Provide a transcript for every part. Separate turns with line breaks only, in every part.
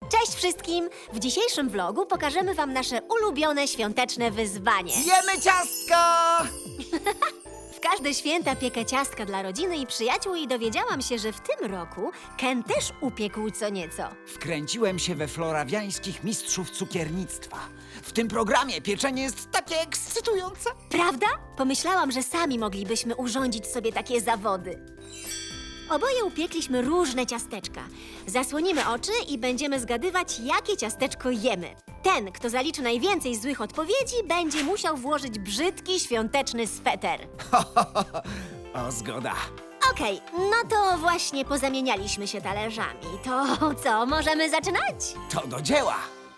Cześć wszystkim! W dzisiejszym vlogu pokażemy wam nasze ulubione świąteczne wyzwanie.
Jemy ciastka!
W każde święta piekę ciastka dla rodziny i przyjaciół i dowiedziałam się, że w tym roku Ken też upiekł co nieco.
Wkręciłem się we florawiańskich mistrzów cukiernictwa. W tym programie pieczenie jest takie ekscytujące.
Prawda? Pomyślałam, że sami moglibyśmy urządzić sobie takie zawody. Oboje upiekliśmy różne ciasteczka. Zasłonimy oczy i będziemy zgadywać, jakie ciasteczko jemy. Ten, kto zaliczy najwięcej złych odpowiedzi, będzie musiał włożyć brzydki świąteczny sweter.
O, zgoda.
Okej, no to właśnie pozamienialiśmy się talerzami. To co, możemy zaczynać?
To do dzieła.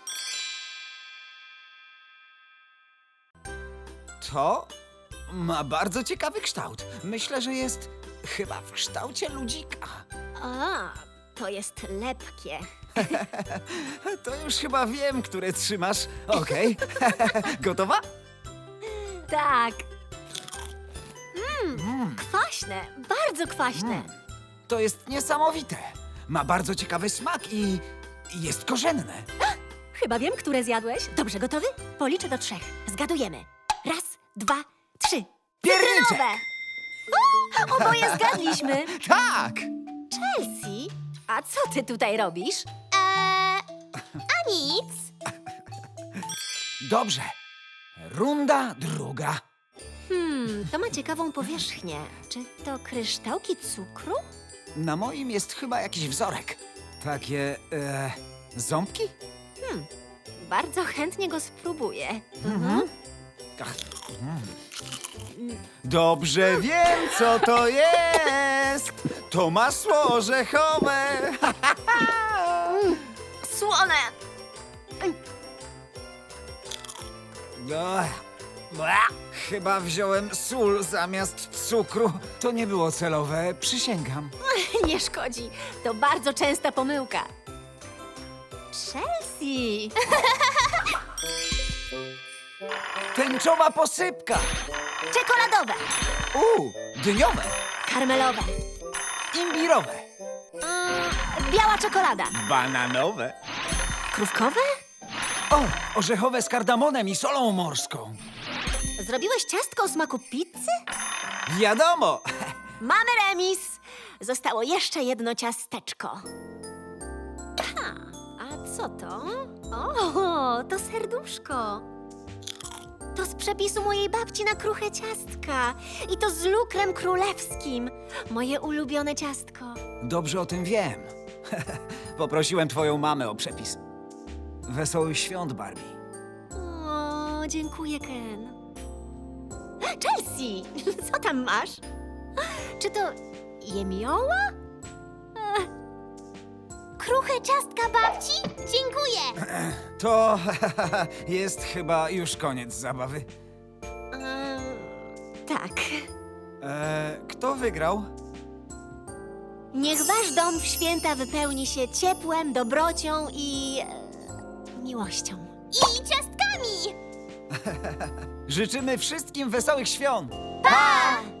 To ma bardzo ciekawy kształt. Myślę, że jest chyba w kształcie ludzika.
A, to jest lepkie.
To już chyba wiem, które trzymasz. Okej. Gotowa?
Tak. Kwaśne, bardzo kwaśne.
To jest niesamowite. Ma bardzo ciekawy smak i jest korzenne.
Chyba wiem, które zjadłeś. Dobrze, gotowy? Policzę do 3. Zgadujemy. 1, 2, 3.
Pierniczek!
Cytrynowe! O, oboje zgadliśmy.
Tak!
Chelsea, a co ty tutaj robisz? A nic.
Dobrze. Runda druga.
To ma ciekawą powierzchnię. Czy to kryształki cukru?
Na moim jest chyba jakiś wzorek. Takie, ząbki?
Bardzo chętnie go spróbuję.
Ach, Dobrze wiem, co to jest. To masło orzechowe.
Słone!
Chyba wziąłem sól zamiast cukru. To nie było celowe, przysięgam.
Nie szkodzi. To bardzo częsta pomyłka. Chelsea!
Tęczowa posypka.
Czekoladowe!
Dyniowe.
Karmelowe!
Imbirowe.
Biała czekolada!
Bananowe.
Krówkowe?
O, orzechowe z kardamonem i solą morską.
Zrobiłeś ciastko o smaku pizzy?
Wiadomo.
Mamy remis! Zostało jeszcze jedno ciasteczko. A co to? O, to serduszko. To z przepisu mojej babci na kruche ciastka. I to z lukrem królewskim. Moje ulubione ciastko.
Dobrze o tym wiem. Poprosiłem twoją mamę o przepis. Wesołych świąt, Barbie.
O, dziękuję, Ken. Chelsea, co tam masz? Czy to jemioła? Kruche ciastka babci? Dziękuję.
To jest chyba już koniec zabawy.
Tak.
Kto wygrał?
Niech wasz dom w święta wypełni się ciepłem, dobrocią i miłością. I ciastkami!
Życzymy wszystkim wesołych świąt!
Pa!